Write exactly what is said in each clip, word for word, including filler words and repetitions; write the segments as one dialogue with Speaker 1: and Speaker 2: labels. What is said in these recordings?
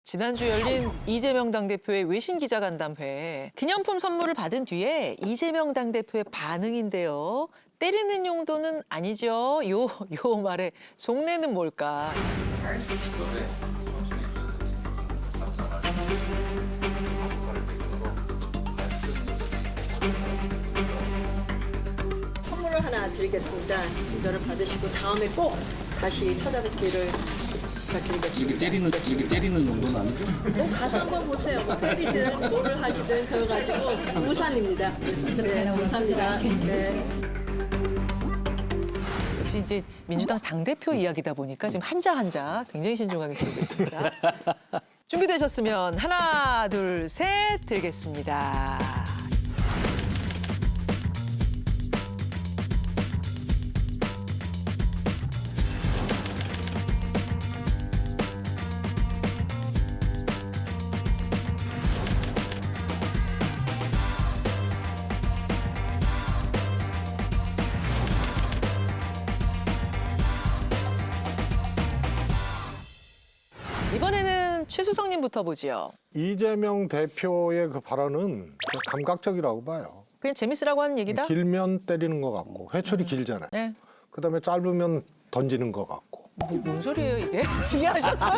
Speaker 1: 지난주 열린 이재명 당대표의 외신 기자간담회. 기념품 선물을 받은 뒤에 이재명 당대표의 반응인데요. 때리는 용도는 아니죠. 요, 요 말에 속내는 뭘까?
Speaker 2: 선물을 하나 드리겠습니다. 이거를 받으시고 다음에 꼭 다시 찾아뵙기를 부탁드리겠습니다.
Speaker 3: 이게 때리는 이게 때리는 정도는 아니죠?
Speaker 2: 뭐 가서 한번 보세요. 뭐 때리든 뭐를 하시든 그거 가지고 우산입니다. 네, 감사합니다. 네.
Speaker 1: 역시 이제 민주당 당대표 이야기다 보니까 지금 한자 한자 굉장히 신중하게 쓰고 계십니다. 준비되셨으면 하나, 둘, 셋 들겠습니다. 이번에는 최수성님부터 보지요.
Speaker 4: 이재명 대표의 그 발언은 감각적이라고 봐요.
Speaker 1: 그냥 재밌으라고 하는 얘기다?
Speaker 4: 길면 때리는 것 같고 회초리 길잖아요.
Speaker 1: 네.
Speaker 4: 그다음에 짧으면 던지는 것 같고.
Speaker 1: 뭐, 뭔 소리예요 이게? 지혜하셨어요?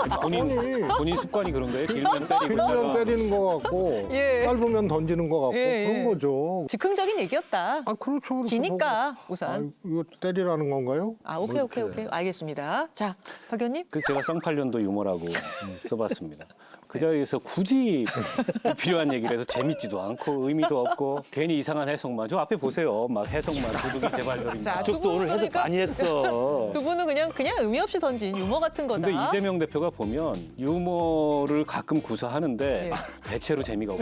Speaker 5: 본인 본인 습관이 그런 거예요? 길면 때리고
Speaker 4: 길면
Speaker 5: 있다가.
Speaker 4: 때리는 것 같고
Speaker 1: 예.
Speaker 4: 짧으면 던지는 것 같고
Speaker 1: 예,
Speaker 4: 그런
Speaker 1: 예.
Speaker 4: 거죠.
Speaker 1: 즉흥적인 얘기였다.
Speaker 4: 아 그렇죠. 그렇죠.
Speaker 1: 기니까
Speaker 4: 뭐,
Speaker 1: 우산.
Speaker 4: 아, 이거 때리라는 건가요?
Speaker 1: 아 오케이
Speaker 4: 뭐
Speaker 1: 오케이
Speaker 4: 이렇게.
Speaker 1: 오케이 알겠습니다. 자 박 의원님.
Speaker 5: 그래서 제가 쌍팔년도 유머라고 음, 써봤습니다. 그 자리에서 굳이 필요한 얘기를 해서 재밌지도 않고 의미도 없고 괜히 이상한 해석만. 저 앞에 보세요. 막 해석만 도둑이 제발저린다.
Speaker 1: 자, 두
Speaker 5: 저도
Speaker 1: 분은
Speaker 5: 오늘 해석
Speaker 1: 그러니까
Speaker 5: 많이 했어.
Speaker 1: 두 분은 그냥 그냥 의미 없이 던진 유머 같은 거다.
Speaker 5: 근데 이재명 대표가 보면 유머를 가끔 구사하는데
Speaker 1: 예.
Speaker 5: 대체로 재미가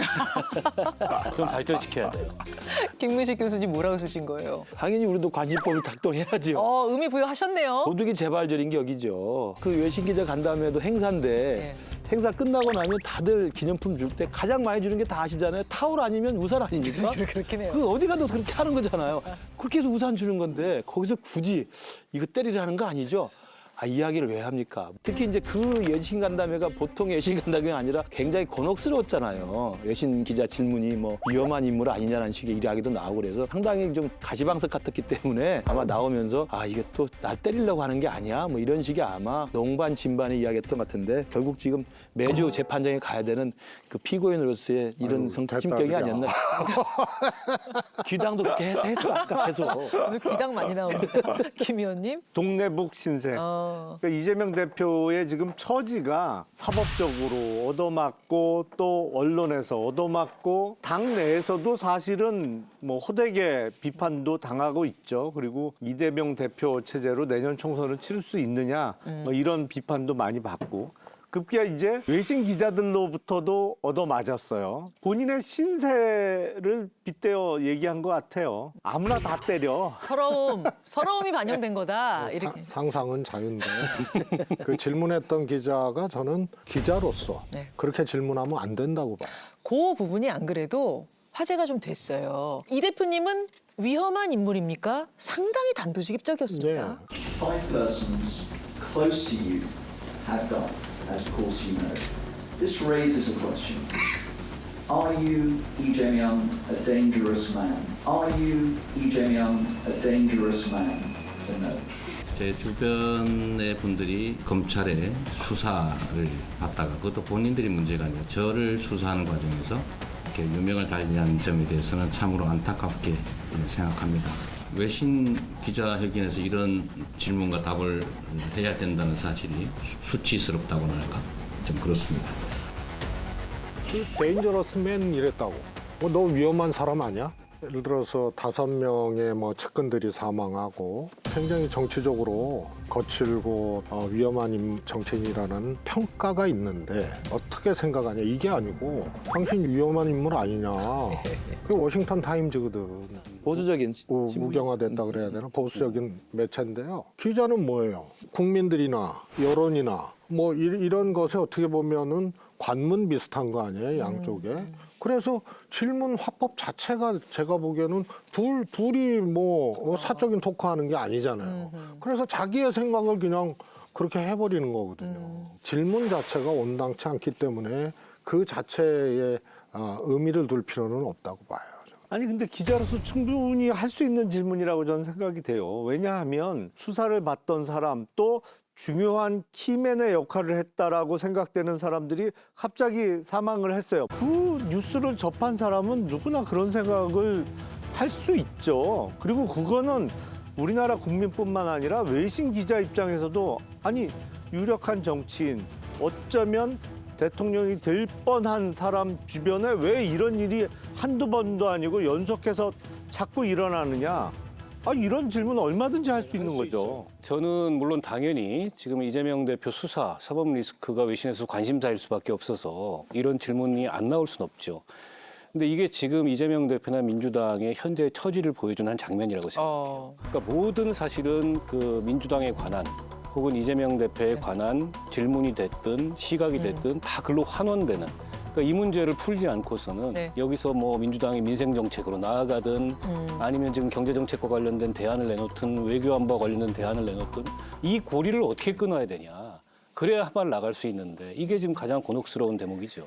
Speaker 5: 없어요. 좀 발전시켜야 돼요.
Speaker 1: 김문식 교수님 뭐라고 쓰신 거예요?
Speaker 6: 당연히 우리도 관심법을 작동해야죠.
Speaker 1: 어 의미 부여하셨네요.
Speaker 6: 도둑이 재발절인 게 여기죠. 그 외신 기자 간담회도 행사인데
Speaker 1: 예.
Speaker 6: 행사 끝나고 나면 다들 기념품 줄 때 가장 많이 주는 게 다 아시잖아요. 타올 아니면 우산 아닙니까?
Speaker 1: 그렇긴 해요.
Speaker 6: 그 어디 가도 그렇게 하는 거잖아요. 그렇게 해서 우산 주는 건데 거기서 굳이 이거 때리라는 거 아니죠? 아, 이야기를 왜 합니까? 특히 이제 그 외신 간담회가 보통 외신 간담회가 아니라 굉장히 곤혹스러웠잖아요. 외신 기자 질문이 뭐 위험한 인물 아니냐는 식의 이야기도 나오고 그래서 상당히 좀 가시방석 같았기 때문에 아마 나오면서 아, 이게 또 날 때리려고 하는 게 아니야? 뭐 이런 식의 아마 농반 진반의 이야기였던 것 같은데 결국 지금 매주 재판정에 가야 되는 그 피고인으로서의 이런
Speaker 4: 아유,
Speaker 6: 성,
Speaker 4: 됐다,
Speaker 6: 심경이
Speaker 4: 그냥.
Speaker 6: 아니었나. 귀당도 그렇게 했- 했어, 아까 계속.
Speaker 1: 오늘 귀당 많이 나옵니다. 김 의원님.
Speaker 7: 동네북 신세.
Speaker 1: 어.
Speaker 7: 그러니까 이재명 대표의 지금 처지가 사법적으로 얻어맞고 또 언론에서 얻어맞고 당 내에서도 사실은 뭐 호되게 비판도 당하고 있죠. 그리고 이재명 대표 체제로 내년 총선을 치를 수 있느냐 뭐 이런 비판도 많이 받고. 급기야 이제 외신 기자들로부터도 얻어맞았어요. 본인의 신세를 빗대어 얘기한 것 같아요. 아무나 다 때려.
Speaker 1: 서러움, 서러움이 반영된 거다.
Speaker 4: 사-
Speaker 1: 이렇게.
Speaker 4: 상상은 자유인데 그 질문했던 기자가 저는 기자로서
Speaker 1: 네.
Speaker 4: 그렇게 질문하면 안 된다고 봐요.
Speaker 1: 그 부분이 안 그래도 화제가 좀 됐어요. 이 대표님은 위험한 인물입니까? 상당히 단도직입적이었습니다.
Speaker 4: 네.
Speaker 8: Five persons close to you have died, as of course you know. This raises a question. Are you, Lee Jae-myung, a dangerous man? Are you, Lee Jae-myung, a dangerous man? To know.
Speaker 3: 제 주변의 분들이 검찰의 수사를 받다가 그것도 본인들이 문제가 아니라 저를 수사하는 과정에서 이렇게 유명을 달리한 점에 대해서는 참으로 안타깝게 생각합니다. 외신 기자회견에서 이런 질문과 답을 해야 된다는 사실이 수치스럽다고나 할까? 좀 그렇습니다.
Speaker 4: 그 데인저러스맨 이랬다고. 뭐 너 위험한 사람 아니야? 예를 들어서 다섯 명의 뭐 측근들이 사망하고 굉장히 정치적으로 거칠고 어, 위험한 임- 정치인이라는 평가가 있는데 어떻게 생각하냐 이게 아니고 당신 위험한 인물 아니냐. 그게 워싱턴 타임즈거든.
Speaker 6: 보수적인
Speaker 4: 우,
Speaker 6: 신문이-
Speaker 4: 우경화됐다 그래야 되나 보수적인 매체인데요. 기자는 뭐예요? 국민들이나 여론이나 뭐 이, 이런 것에 어떻게 보면은 관문 비슷한 거 아니에요 양쪽에. 그래서 질문 화법 자체가 제가 보기에는 둘 둘이 뭐 사적인 토크하는 게 아니잖아요. 그래서 자기의 생각을 그냥 그렇게 해버리는 거거든요. 질문 자체가 온당치 않기 때문에 그 자체에 아, 의미를 둘 필요는 없다고 봐요.
Speaker 7: 아니 근데 기자로서 충분히 할 수 있는 질문이라고 저는 생각이 돼요. 왜냐하면 수사를 받던 사람 또 중요한 키맨의 역할을 했다라고 생각되는 사람들이 갑자기 사망을 했어요. 그 뉴스를 접한 사람은 누구나 그런 생각을 할 수 있죠. 그리고 그거는 우리나라 국민뿐만 아니라 외신 기자 입장에서도 아니 유력한 정치인 어쩌면 대통령이 될 뻔한 사람 주변에 왜 이런 일이 한두 번도 아니고 연속해서 자꾸 일어나느냐. 아, 이런 질문 얼마든지 할 수 있는 거죠.
Speaker 5: 저는 물론 당연히 지금 이재명 대표 수사, 사법 리스크가 외신에서 관심사일 수밖에 없어서 이런 질문이 안 나올 수는 없죠. 근데 이게 지금 이재명 대표나 민주당의 현재의 처지를 보여주는 한 장면이라고 생각해요.
Speaker 1: 어.
Speaker 5: 그러니까 모든 사실은 그 민주당에 관한 혹은 이재명 대표에
Speaker 1: 네.
Speaker 5: 관한 질문이 됐든 시각이 됐든 다 글로 환원되는 그러니까 이 문제를 풀지 않고서는
Speaker 1: 네.
Speaker 5: 여기서 뭐 민주당이 민생 정책으로 나아가든 아니면 지금 경제 정책과 관련된 대안을 내놓든 외교 안보와 관련된 대안을 내놓든 이 고리를 어떻게 끊어야 되냐. 그래야 한 발 나갈 수 있는데 이게 지금 가장 곤혹스러운 대목이죠.